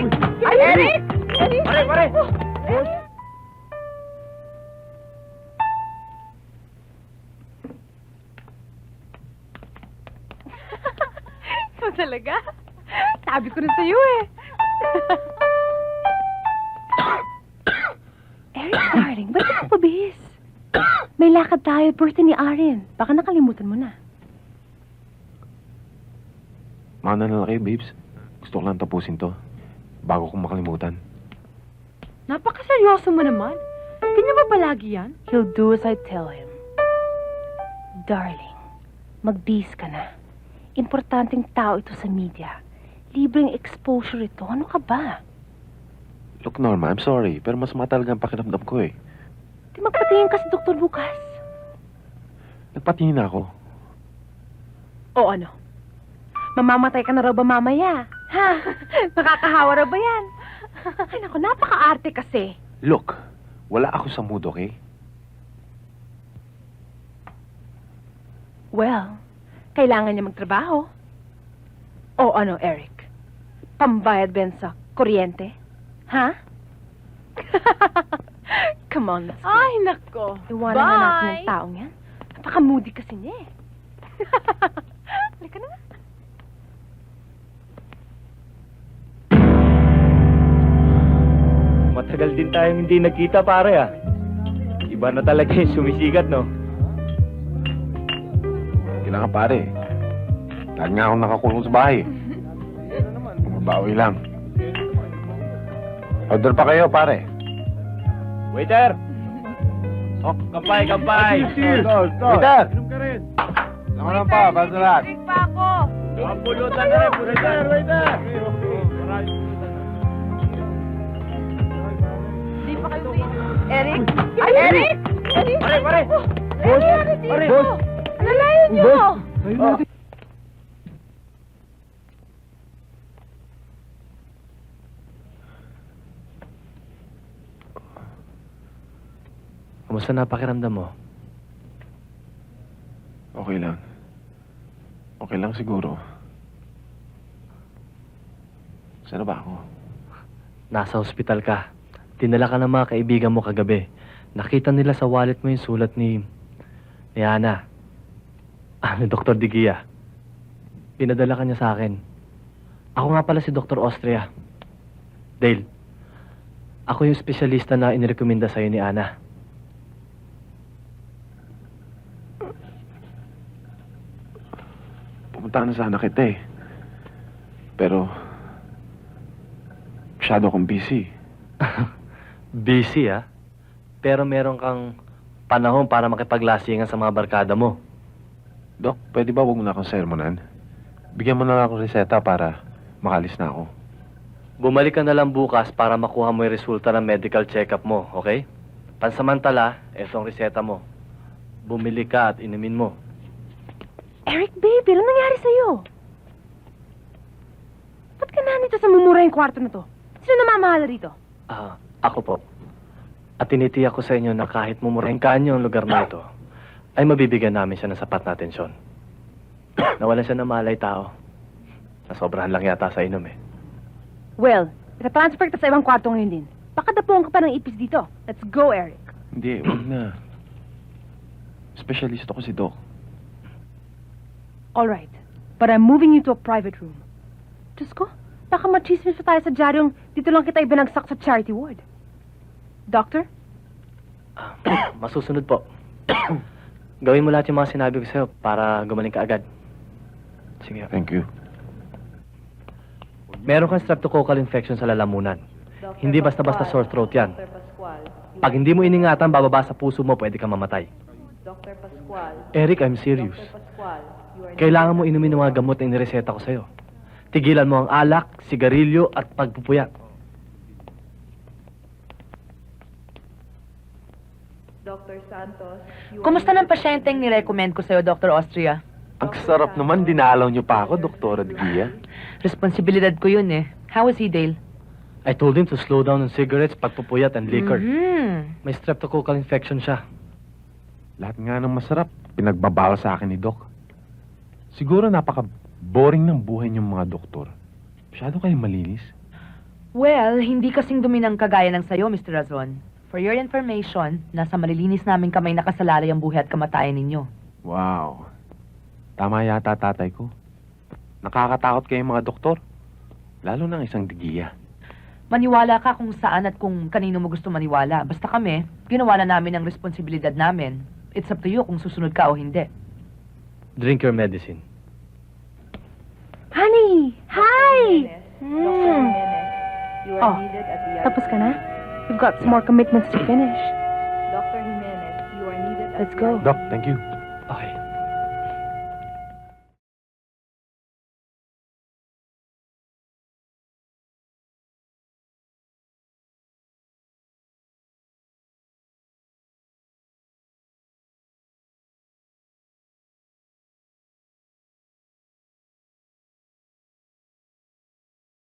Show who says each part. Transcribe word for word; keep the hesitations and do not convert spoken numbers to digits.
Speaker 1: Ay, Eric! Eric!
Speaker 2: Pare, pare!
Speaker 1: Ikaw talaga? Sabi ko na sa'yo eh. Eric, darling, ba't ka pabihis? May lakad tayo, birthday ni Aaron. Baka nakalimutan mo na.
Speaker 3: Mauna na lang kayo, babes. Gusto ko lang tapusin to. Bago kong makalimutan.
Speaker 1: Napakaseryoso mo naman. Ganyan ba palagi yan? He'll do as I tell him. Darling, mag-bis ka na. Importanteng tao ito sa media. Libreng exposure ito. Ano ka ba?
Speaker 3: Look, Norma, I'm sorry. Pero mas matalaga ang pakiramdam ko eh.
Speaker 1: Di magpatingin ka sa doktor bukas.
Speaker 3: Nagpatingin na ako.
Speaker 1: O ano? Mamamatay ka na raw ba mamaya? Ha? Nakakahawa raw ba yan? Ay naku, napaka-arte kasi.
Speaker 3: Look, wala ako sa mood, okay?
Speaker 1: Well, kailangan niya magtrabaho. O ano, Eric? Pambayad ba yan sa kuryente? Ha? Come on, let's go.
Speaker 4: Ay, nako.
Speaker 1: Iwanan na natin yung taong yan. Napaka-moody kasi niya eh. Halika na.
Speaker 2: Matagal din tayong hindi nagkita, pare, ah. Iba na talaga yung sumisikat, no?
Speaker 3: Kailangan pare. Lagi nga akong nakakulong sa bahay. Mabawi lang. Order pa kayo, pare.
Speaker 2: Waiter! Oh, kampay, kampay!
Speaker 3: Waiter! Ano lang pa, basta lahat.
Speaker 4: Drink pa ako.
Speaker 2: Ang pulutan na rin, pulutan. Waiter!
Speaker 4: Hindi pa kayo Eric? Ay, Eric! Eric!
Speaker 2: Pare, pare!
Speaker 4: Boss! Pare,
Speaker 2: Boss!
Speaker 4: alalayan niyo!
Speaker 2: Oh. Kamusta na pakiramdam mo?
Speaker 3: Okay lang. Okay lang siguro. Saan na ba ako?
Speaker 5: Nasa ospital ka. Dinala ka ng mga kaibigan mo kagabi. Nakita nila sa wallet mo yung sulat ni... ni Ana. Ah, ni Doktor Digia. Pinadala ka niya sa akin. Ako nga pala si Doktor Austria. Dale, ako yung espesyalista na inirekomenda sa'yo ni Ana.
Speaker 3: Pumunta na sana kita eh. Pero... masyado akong busy.
Speaker 5: Busy, ah. Pero meron kang panahon para makipaglasingan sa mga barkada mo.
Speaker 3: Dok, pwede ba huwag mo na akong sermonan? Bigyan mo na lang akong reseta para makalis na ako.
Speaker 5: Bumalik ka na lang bukas para makuha mo yung resulta ng medical check-up mo, okay? Pansamantala, eto ang reseta mo. Bumili ka at inumin mo.
Speaker 1: Eric, baby, ano nangyari sa'yo? Ba't ka na nito sa mumura yung kwarto na to? Sino namamahala rito?
Speaker 5: Ah, ako po. At tinitiyak ko sa inyo na kahit mumurengkaan niyo ang lugar na ito, ay mabibigyan namin siya ng sapat na atensyon. Nawalan siya ng malay tao. Nasobrahan lang yata sa inom eh.
Speaker 1: Well, itatransfer kita sa ibang kwarto ngayon din. Baka dapuan ka pa ng ipis dito. Let's go, Eric.
Speaker 3: Hindi, huwag na. Specialist ako si Doc.
Speaker 1: All right, but I'm moving you to a private room. Diyos ko, baka machismis pa tayo sa dyaryong dito lang kita ibinagsak sa charity ward. Doctor?
Speaker 5: Ah, masusunod po. Gawin mo lahat yung mga sinabi ko sa'yo para gumaling ka agad. Sige.
Speaker 3: Thank you.
Speaker 5: Meron kang streptococcal infection sa lalamunan. Hindi basta-basta sore throat yan. Pag hindi mo iningatan, bababa sa puso mo, pwede kang mamatay.
Speaker 4: Doctor Pascual.
Speaker 5: Eric, I'm serious.
Speaker 4: Pascual.
Speaker 5: Kailangan mo inumin ng mga gamot na inireseta ko sa'yo. Tigilan mo ang alak, sigarilyo at pagpupuyat.
Speaker 4: Doctor Santos.
Speaker 6: Kumusta ng pasyenteng nirecommend ko sa'yo, Doctor Austria?
Speaker 3: Ang sarap naman, dinalaw niyo pa ako, Doktora Digia.
Speaker 6: Responsibilidad ko yun eh. How is he, Dale?
Speaker 5: I told him to slow down on cigarettes, pagpupuyat, and liquor.
Speaker 6: Mm-hmm.
Speaker 5: May streptococcal infection siya.
Speaker 3: Lahat nga ng masarap, pinagbabawal sa akin ni Doc. Siguro napaka-boring ng buhay niyong mga doktor. Masyado kayong malinis.
Speaker 6: Well, hindi kasing dumi ng kagaya ng sayo, Mister Razon. For your information, nasa malilinis naming kamay nakasalalay ang buhay at kamatayan ninyo.
Speaker 3: Wow. Tama yata tatay ko. Nakakatakot kayo mga doktor. Lalo ng isang digiya.
Speaker 6: Maniwala ka kung saan at kung kanino mo gusto maniwala. Basta kami, ginawa na namin ang responsibilidad namin. It's up to you kung susunod ka o hindi.
Speaker 5: Drink your medicine.
Speaker 1: Honey! Hi!
Speaker 4: Doctor
Speaker 1: Mm.
Speaker 4: Jimenez, you are
Speaker 1: Oh,
Speaker 4: needed at the
Speaker 1: Tapos ka na? We've got some more commitments to finish.
Speaker 4: Doctor Jimenez, you are needed at
Speaker 1: Let's
Speaker 4: the
Speaker 1: go.
Speaker 3: Doc, thank you.